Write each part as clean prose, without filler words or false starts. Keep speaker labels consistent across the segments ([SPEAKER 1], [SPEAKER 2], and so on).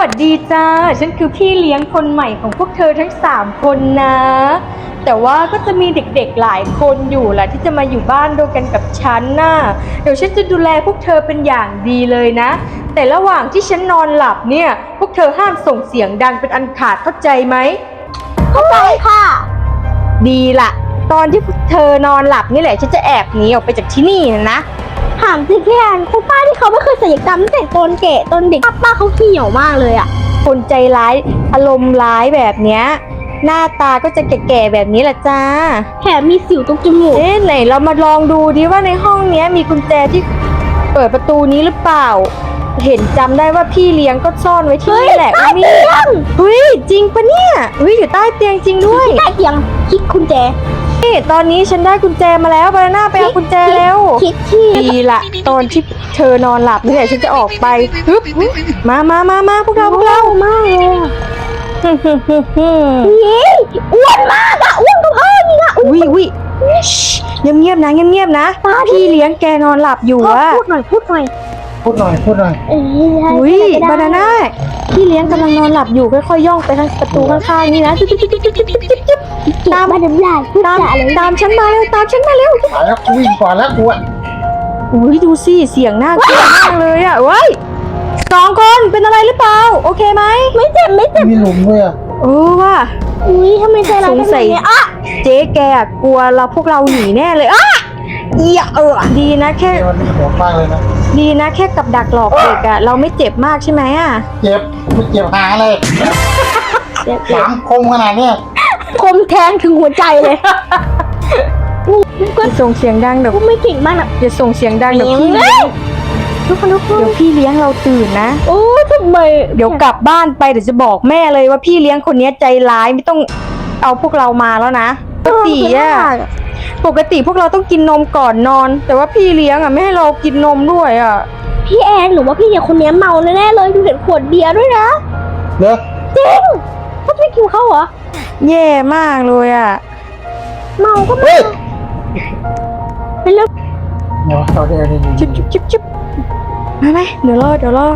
[SPEAKER 1] วัสดีจ้าฉันคือพี่เลี้ยงคนใหม่ของพวกเธอทั้ง3คนนะแต่ว่าก็จะมีเด็กๆหลายคนอยู่แหละที่จะมาอยู่บ้านด้วยกันกับฉันน่ะเดี๋ยวฉันจะดูแลพวกเธอเป็นอย่างดีเลยนะแต่ระหว่างที่ฉันนอนหลับเนี่ยพวกเธอห้ามส่งเสียงดังเป็นอันขาดเข้าใจไหมเข้าใจค่ะดีละตอนที่เธอนอนหลับนี่แหละฉันจะแอบหนีออกไปจากที่นี่นะ
[SPEAKER 2] ถามจริงพี่แอนคุณป้าที่เขาไม่เคยศัลยกรรมตั้งแต่ตอนแก่ตอนเด็กป้าเขาเหี่ยวมากเลยอะ
[SPEAKER 1] คนใจร้ายอารมณ์ร้ายแบบเนี้ยหน้าตาก็จะแก่ๆแบบนี้แหละจ้า
[SPEAKER 2] แถมมีสิวตรงจมูก
[SPEAKER 1] ไหนเรามาลองดูดิว่าในห้องนี้มีกุญแจที่เปิดประตูนี้หรือเปล่าเห็นจำได้ว่าพี่เลี้ยงก็ซ่อนไว้ที่นี่แหละ
[SPEAKER 2] นี่
[SPEAKER 1] เฮ้ยจริงปะเนี่ยอยู่ใต้เตียงจริงด้วย
[SPEAKER 2] ใต้เตียงคิดกุญแจ
[SPEAKER 1] นี่ตอนนี้ฉันได้กุญแจมาแล้วบานาน่าไปเอากุญแจแล้ว
[SPEAKER 2] คิดที่
[SPEAKER 1] ดีละตอนที่เธอนอนหลับนี่แหละฉันจะออกไปฮึบมาพวกเรา
[SPEAKER 2] มากเลยนี่อ้วนมากอะอ้วนกับพ่อนี่นะ
[SPEAKER 1] อุ้ยเงียบนะพี่เลี้ยงแกนอนหลับอยู่อะ
[SPEAKER 2] พูดหน่อย
[SPEAKER 1] อุ้ยบานาน่าพี่เลี้ยงกำลังนอนหลับอยู่ค่อยๆย่องไปทางประตูข้างๆนี่นะ
[SPEAKER 2] ตามมาดำลาย
[SPEAKER 1] ตามฉันมาเร็ว
[SPEAKER 3] มาแล้ววิ่งก่อนแล้วกูอ่ะ
[SPEAKER 1] อุ้ยดูสิเสียงน่ากลัวมากเลยอ่ะเว้ย2 คนเป็นอะไรหรือเปล่าโอเคไหม
[SPEAKER 2] ไม่เจ็บ
[SPEAKER 3] มีหลุมด้วยอ่ะ
[SPEAKER 1] ว่ะ
[SPEAKER 2] ทำไมใจร้าย
[SPEAKER 1] สงสัยเจ๊แกกลัวเราพวกเราหนีแน่เลยดีนะแค่
[SPEAKER 3] มันโหดมากเลยนะ
[SPEAKER 1] ดีนะแค่กับดักหลอกเด็กอะเราไม่เจ็บมากใช่ไหมอะ
[SPEAKER 3] เจ็บไม่เจ็บหาเลย3 คมขนาดเนี้ย
[SPEAKER 2] คมแทงถึงหัวใจเลย
[SPEAKER 1] ก็ส่งเสียงดังเดี๋ยว
[SPEAKER 2] ไม่เก่งมากนะ
[SPEAKER 1] อย่าส่งเสียงดังเดี๋ยวพี่เลี้ยงทุกคนเดี๋ยวพี่เลี้ยงเราตื่นนะ
[SPEAKER 2] โอ้ทำไม
[SPEAKER 1] เดี๋ยวกลับบ้านไปเดี๋ยวจะบอกแม่เลยว่าพี่เลี้ยงคนนี้ใจร้ายไม่ต้องเอาพวกเรามาแล้วนะปกติพวกเราต้องกินนมก่อนนอนแต่ว่าพี่เลี้ยงไม่ให้เรากินนมด้วย
[SPEAKER 2] พี่แอนหรือว่าพี่เลี้ยงคนนี้เมาแน่ๆเลยดูเห็นขวดเบียร์ด้วยนะ
[SPEAKER 3] เนอะ
[SPEAKER 2] จริงเขาไม่กินเขาเหรอ
[SPEAKER 1] แย่มากเลย
[SPEAKER 2] เมาก็ไม่เป็นเรื่อง
[SPEAKER 3] เอาได้
[SPEAKER 1] จิ๊บมาไหมเดี๋ยวรอ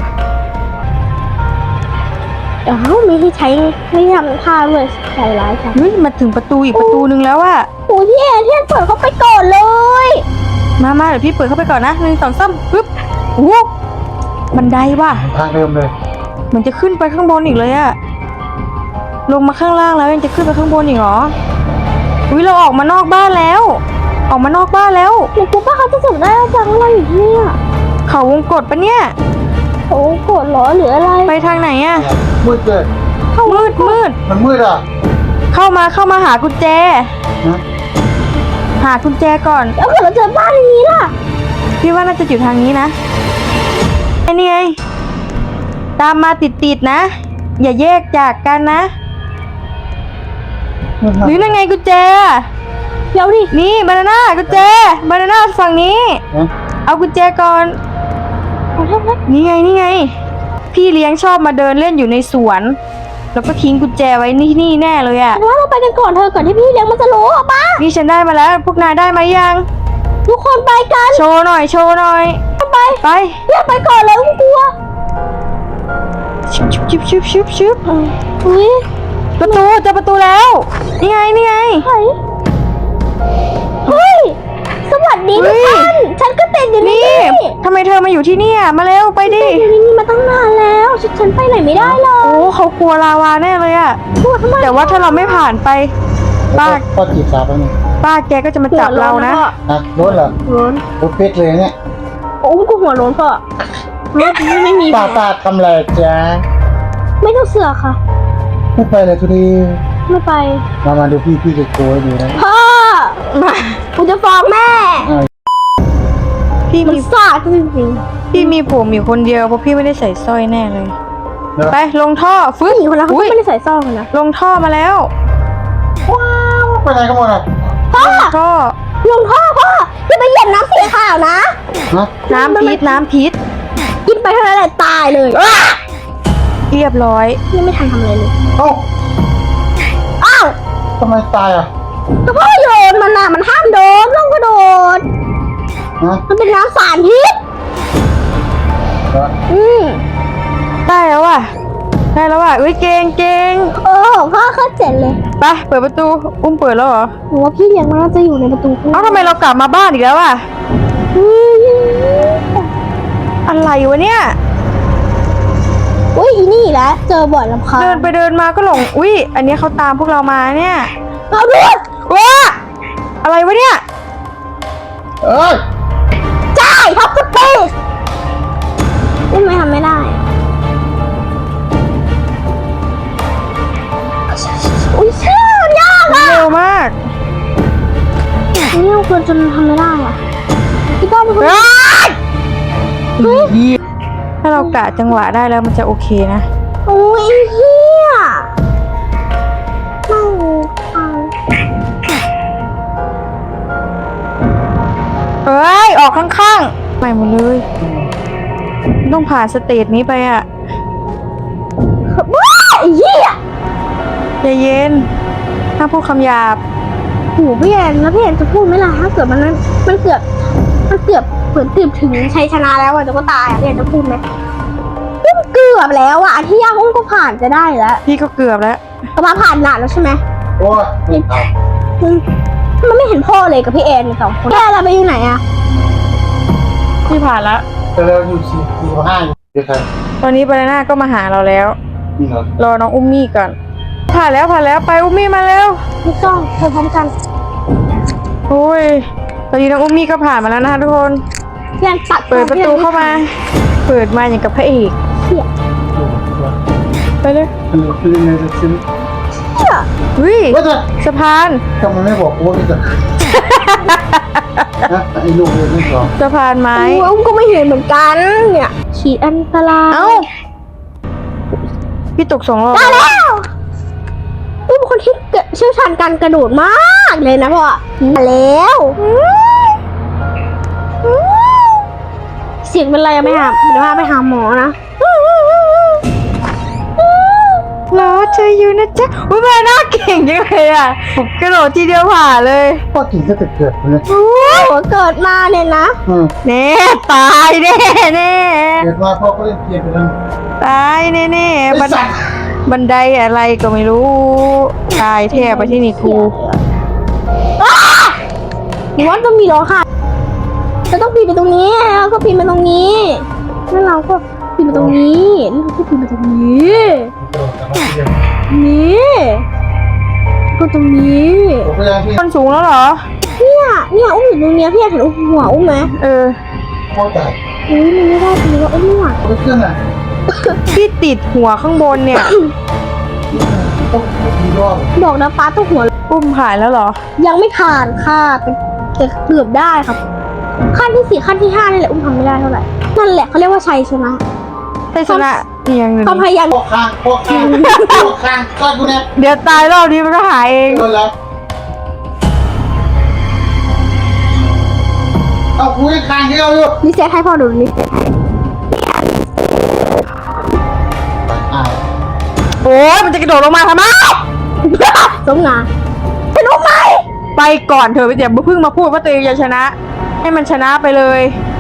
[SPEAKER 2] ไม่ให้ใช้ไม่ทำท่าเลยใจร้ายค่ะ
[SPEAKER 1] มาถึงประตูอีกประตูนึงแล้ว
[SPEAKER 2] โอ้พี่แอนเปิดเข้าไปก่อนเลย
[SPEAKER 1] มาเดี๋ยวพี่เปิดเข้าไปก่อนนะ1 2 3ปึ๊บบันไดว่ะ
[SPEAKER 3] ทางเดิมเลย
[SPEAKER 1] มันจะขึ้นไปข้างบนอีกเลยลงมาข้างล่างแล้วยังจะขึ้นไปข้างบนอีกเหรอเราออกมานอกบ้านแล้วห
[SPEAKER 2] นูกลัวป้าเขาจะจับได้จังอะไรอยู่ที่นี่
[SPEAKER 1] เขาวงกฏปะเนี่ย
[SPEAKER 2] โอ้กดหรอหรืออะไร
[SPEAKER 1] ไปทางไหน
[SPEAKER 3] มืดเลย
[SPEAKER 1] มืด
[SPEAKER 3] มันมืด
[SPEAKER 1] เข้ามาหากุญแจหากุญแจก่อน
[SPEAKER 2] แล้วเกิดเราเจอบ้านอย่างนี้ล่ะ
[SPEAKER 1] พี่ว่าน่าจะอยู่ทางนี้นะนี่ไงตามมาติดนะอย่าแยกจากกันนะหรือนั่นไงกุญแจ
[SPEAKER 2] เดี๋ยวดิ
[SPEAKER 1] นี่บานาน่ากุญแจบานาน่าฝั่งนี้เอากุญแจก่อนนี่ไงพี่เลี้ยงชอบมาเดินเล่นอยู่ในสวนแล้วก็ทิ้งกุญแจไว้นี่แน่เลย
[SPEAKER 2] ว่าเราไปกันก่อนเธอก่อนที่พี่เลี้ยงมันจะรู้ป่ะ
[SPEAKER 1] นี่ฉันได้มาแล้วพวกนายได้มายัง
[SPEAKER 2] ทุกคนไปกัน
[SPEAKER 1] โชว์หน่อย
[SPEAKER 2] ไปเรียกไปก่อนเลยกลัว
[SPEAKER 1] ชุบประตูเจอประตูแล้วนี่ไง
[SPEAKER 2] เฮ้ยสวัสดีทุกท่านฉันก็ติดอยู่นี่
[SPEAKER 1] ทำไมเธอมาอยู่ที่นี่มาเร็วไปดิ
[SPEAKER 2] นี่มาตั้งนานแล้วฉันไปไหนไม่ได้เลย
[SPEAKER 1] เขากลัวลาวาแน่เลยแต่ว่าถ้าเราไม่ผ่านไป
[SPEAKER 3] ป้าจีบสาวไปนี่
[SPEAKER 1] ป้าแกก็จะมาจับเรานะ
[SPEAKER 3] ร้อนเหรอ
[SPEAKER 2] ร้อน
[SPEAKER 3] เป๊กเลยเนี่ย
[SPEAKER 2] กูหัวร้อนป่ะไม่มี
[SPEAKER 3] ป้าทำอะไรจ๊ะ
[SPEAKER 2] ไม่ต้องเสือค่ะ
[SPEAKER 3] ไม่ไปเลยทุดี
[SPEAKER 2] ไม่ไป
[SPEAKER 3] มาดูพี่จะโกยดูนะ
[SPEAKER 2] พ่อกูจะฟ้องแม่
[SPEAKER 1] พี่มี
[SPEAKER 2] ซาจริง
[SPEAKER 1] พี่มีผมอยู่คนเดียวเพราะพี่ไม่ได้ใส่สร้อยแน่เลยไปลงท่อฟื้น
[SPEAKER 2] คนละเขาไม่ได้ใส่สร้อยนะ
[SPEAKER 1] ลงท่อมาแล้ว
[SPEAKER 3] ว้าวไปไหนกันหมด
[SPEAKER 2] พ่อลงท่อพ่ออย่าไปเหยียบน้ำสีขาวนะ
[SPEAKER 1] น้ำพิษ
[SPEAKER 2] กินไปเท่านั้นแหละตายเลย
[SPEAKER 1] เรียบร้อย
[SPEAKER 2] ยังไม่ทันทำอะไรเลย
[SPEAKER 3] อ้าวทำไมตาย
[SPEAKER 2] ก็พ่อโยนมันมันห้ามโดนต้องกระโดดมันเป็นน้ำสารพิษ
[SPEAKER 1] ได้แล้วได้แล้วอ่ะอุ้ยเก่ง
[SPEAKER 2] โอ้พ่อเข้าเจ็ดเลย
[SPEAKER 1] ไปเปิดประตูอุ้มเปิดแล้วเหรอ
[SPEAKER 2] หนูว่าพี่เลี้ยงมันน่าจะอยู่ในประตู
[SPEAKER 1] เอ้าทำไมเรากลับมาบ้านอีกแล้วอ่ะอะไรวะเนี่ย
[SPEAKER 2] อุ้ยอีนี่แหละเจอบ่อยลำคาญ
[SPEAKER 1] เดินไปเดินมาก็หลงอุ้ยอันนี้เขาตามพวกเรามาเนี่ย
[SPEAKER 2] เอาดู
[SPEAKER 1] ว้าอะไรวะเนี่ย
[SPEAKER 3] เอ้ย
[SPEAKER 2] จ่ายท็อปสเปซอุ้มไม่ทำไม่ได้อุ้ยเชื่อยากอ่ะ
[SPEAKER 1] เร็วมาก
[SPEAKER 2] นี่เราควรจนทำไม่ได้อ่ะพี่ก้องเป็นคน
[SPEAKER 1] ถ้าเรากะจังหวะได้แล้วมันจะโอเคนะ
[SPEAKER 2] โอ้ยเฮียไม่ฟัง
[SPEAKER 1] เอ้ยออกข้างๆใหม่หมดเลยต้องผ่านสเตจนี้ไปอ่ะ
[SPEAKER 2] ว้าไอ้เฮีย
[SPEAKER 1] ใจเย็นถ้าพูดคำหยาบ
[SPEAKER 2] หูพี่แอนแล้วพี่แอนจะพูดไหมล่ะถ้าเกิดมันเกือบเหมือนเกือบถึงชัยชนะแล้วอ่ะจะก็ตายอ่ะพี่แอนจะพูดไหมอุ้มเกือบแล้วอ่ะอันที่ยากอุ้มก็ผ่านจะได้แล้ว
[SPEAKER 1] พี่ก็เกือบแล้ว
[SPEAKER 2] ก็มาผ่านหนาแล้วใช่ไหม
[SPEAKER 3] โอ้ยเอา
[SPEAKER 2] มันไม่เห็นพ่อเลยกับพี่แอนสองคนพี่แอนเราไปอยู่ไหนอ่ะ
[SPEAKER 1] พี่ผ่านแล้ว
[SPEAKER 3] แต่เราอยู่4 5อยู่เดี๋ยวใคร
[SPEAKER 1] ตอนนี้บานาน่าก็มาหาเราแล้ว
[SPEAKER 3] นี่เหรอ
[SPEAKER 1] รอน้องอุ้มมี่ก่อน ผ่านแล้วไปอุ้มมี่มาเร็ว
[SPEAKER 2] พี่ก้องเธอพร้อมกัน
[SPEAKER 1] โอ้ยตอนนี้น้องอุ้มมี่ก็ผ่านมาแล้วนะคะทุกคน
[SPEAKER 2] พี่แอนตัด
[SPEAKER 1] เปิดประตูเข้ามา เปิดมาอย่างกับพระเอก
[SPEAKER 2] เหี้ย
[SPEAKER 1] ไปเลย
[SPEAKER 3] คือในจะซื้อ
[SPEAKER 2] เหี้ย
[SPEAKER 1] วิ
[SPEAKER 3] ว่าจะ
[SPEAKER 1] สะพาน
[SPEAKER 3] ทำไมไม่บอกโอ้นี่จะนะไอ้ลูกเรียนไม่สอน
[SPEAKER 1] สะพานไม้
[SPEAKER 2] โอ้ยอุ้มก็ไม่เห็นเหมือนกันเนี่ยฉีดอันตราย
[SPEAKER 1] เอ้าพี่ตก2 รอบ
[SPEAKER 2] ได้แล้วอุ้มเป็นคนที่เชี่ยวชาญการกระโดดมากเลยนะพ่อมาแล้วเสียงเป็นไรอะไม่หาเดี๋ยวพาไปหาหมอนะ
[SPEAKER 1] รอเธออยู่นะจ๊ะอุ้ยบานาน่าเก่งจังเลยอ่ะกระโดดทีเดียวผ่านเลย
[SPEAKER 3] พ่อกินก็จะเกิดเลย
[SPEAKER 2] โอ้โหเกิดมาเนี่ยนะ
[SPEAKER 1] แน่ตายแน่
[SPEAKER 3] เกิดมาพ่อก็เล่นเกมไปแล้ว
[SPEAKER 1] ตายแน่
[SPEAKER 3] ไอ้ สัตว์
[SPEAKER 1] บันไดอะไรก็ไม่รู้ ตายแทบไปที่นี่ครู
[SPEAKER 2] หนูว่าต้องมีร้องค่ะจะต้องปีนไปตรงนี้แล้วก็ปีนไปตรงนี้แล้วเราก็ปีนไปตรงนี้แล้วเราก็ปีนไปตรงนี้ นี่ก็ตรงนี้
[SPEAKER 3] ผมก็ยังพี่
[SPEAKER 1] คนสูงแล้วเหรอ
[SPEAKER 2] เนี่ยอุ้มอยู่ตรงเนี้ยพี่อยากเห็นหัวอุ้มไหม
[SPEAKER 1] เออ
[SPEAKER 3] พ่อจ่าย
[SPEAKER 2] อุ้ยมันไม่ได้จริงว่าอุ้มไม่ไหว
[SPEAKER 3] ไม่ขึ้นอ่ะ
[SPEAKER 1] ที่ติดหัวข้างบนเนี่ย
[SPEAKER 3] ต้องมีรอบ
[SPEAKER 2] บอกนะป้าต้องหัว
[SPEAKER 1] อุ้มผ่านแล้วเหรอ
[SPEAKER 2] ยังไม่ผ่านค่ะแต่เกือบได้ครับ ขั้นที่ 4ขั้นที่ 5นี่แหละอุ้มทำไม่ได้เท่าไหร่นั่นแหละเขาเรียกว่าชัยชนะ
[SPEAKER 1] ได้ชนะอีกอย่างหนึ่ง
[SPEAKER 2] ความพยายาม
[SPEAKER 3] พ่อข้างก็กูเนี่ย
[SPEAKER 1] เดี๋ยวตายรอบนี้มันก็หายเอง
[SPEAKER 3] โดนแล้วเอาคุยข้างที่เราอยู่
[SPEAKER 2] รีเซ็ตให้พ่อดูรีเซ็ตให้
[SPEAKER 1] โอ้ยมันจะกระโดดลงมาทำไม
[SPEAKER 2] สมงานเป็นอุ้มไหม
[SPEAKER 1] ไปก่อนเถอะไปเดี๋ยวเพิ่งมาพูดว่าตัวเองจะชนะ ให้มันชนะไปเลย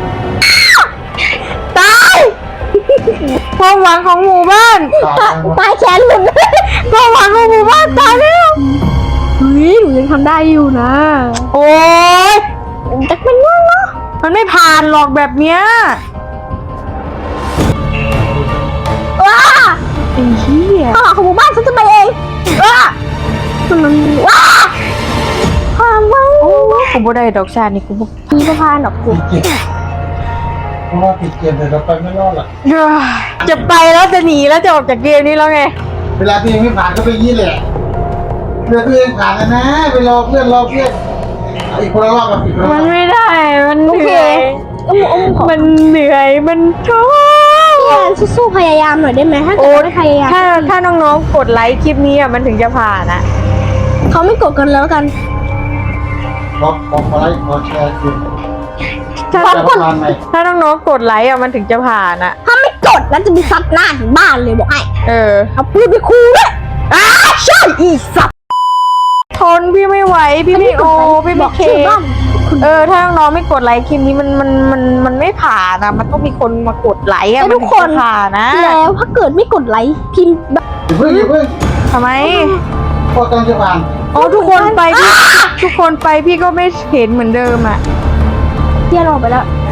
[SPEAKER 1] ตายความหวังของหมู่บ้าน
[SPEAKER 2] ตายแขนหลุด
[SPEAKER 1] ความหวังของหมู่บ้านตายแล้ว
[SPEAKER 2] เฮ้ยหนูยังทำได้อยู่นะ
[SPEAKER 1] โอ้ย
[SPEAKER 2] แต่เป็นง่ายเนาะ
[SPEAKER 1] มันไม่ผ่านหรอกแบบเนี้ย
[SPEAKER 2] ว้า
[SPEAKER 1] ไอ้เหี้ย
[SPEAKER 2] ข้าวของหมู่บ้านฉันจะไปเองว้ามันว้าความหวัง
[SPEAKER 1] กูบ่ได้ดอกชาตินี่กูบ่
[SPEAKER 2] มีประพานดอกกุ
[SPEAKER 3] ผิดเกมเพราะว่าผิดเกมแต่เราไปไม่รอดหรอก
[SPEAKER 1] จะไปแล้วจะหนีแล้วจะออกจากเกมนี้แล้วไง
[SPEAKER 3] เวลาตัวเองไม่ผ่านก็ไปยี่แหละเพื่อนตัวเองผ่านแล้วนะไปรอเพื่อนอีกคนละรอบกับอีกคนละร
[SPEAKER 1] มั
[SPEAKER 3] อน บ
[SPEAKER 1] ไม่ได้ มันเห
[SPEAKER 2] โอเค
[SPEAKER 1] นื่อย
[SPEAKER 2] อุ้มขอ
[SPEAKER 1] มันเหนื่อย มันท้อ
[SPEAKER 2] พี่แอนสู้ๆพยายามหน่อยได้ไหมถ้าเกิ
[SPEAKER 1] โอ้
[SPEAKER 2] ดไม่พยายาม
[SPEAKER 1] ถ้าน้องๆกดไลค์คลิปนี้อ่ะมันถึงจะผ่านอ่ะ
[SPEAKER 2] เขาไม่กดกันแล้วกัน
[SPEAKER 3] ขอไลค์ขอแชร์คือ
[SPEAKER 1] ถ้า
[SPEAKER 3] จะผ่านไหม
[SPEAKER 1] ถ้าน้องๆกดไลค์อ่ะมันถึงจะผ่านอ่ะ
[SPEAKER 2] ถ้าไม่กดแล้วจะมีซัดหน้าถึงบ้านเลยบอกไอ้
[SPEAKER 1] เออ
[SPEAKER 2] เอาปืนไปคูด้วยอ้าใช่อีสัตว์
[SPEAKER 1] ทนพี่ไม่ไหว พี่ไม่โอ พี่
[SPEAKER 2] บ
[SPEAKER 1] ไม่
[SPEAKER 2] อก
[SPEAKER 1] เค
[SPEAKER 2] ชื่อบ้าน
[SPEAKER 1] ถ้าน้องๆไม่กดไลค์คลิปนี้มันไม่ผ่านนะมันต้องมีคนมากดไลค์อะ
[SPEAKER 2] แล้ว
[SPEAKER 1] มัน
[SPEAKER 2] ทุก
[SPEAKER 1] ถึง
[SPEAKER 2] คน
[SPEAKER 1] จะผ่านนะ
[SPEAKER 2] แล้วถ้าเกิดไม่กดไลค์พิมพ์แบบ
[SPEAKER 3] อย่าเพิ่ง
[SPEAKER 1] ทำไม
[SPEAKER 3] พอกำลังจะผ่าน
[SPEAKER 1] อ๋อทุกคนไปพี่ก็ไม่เห็นเหมือนเดิมอ่ะ
[SPEAKER 2] เพี้ยนออกไปแล้ว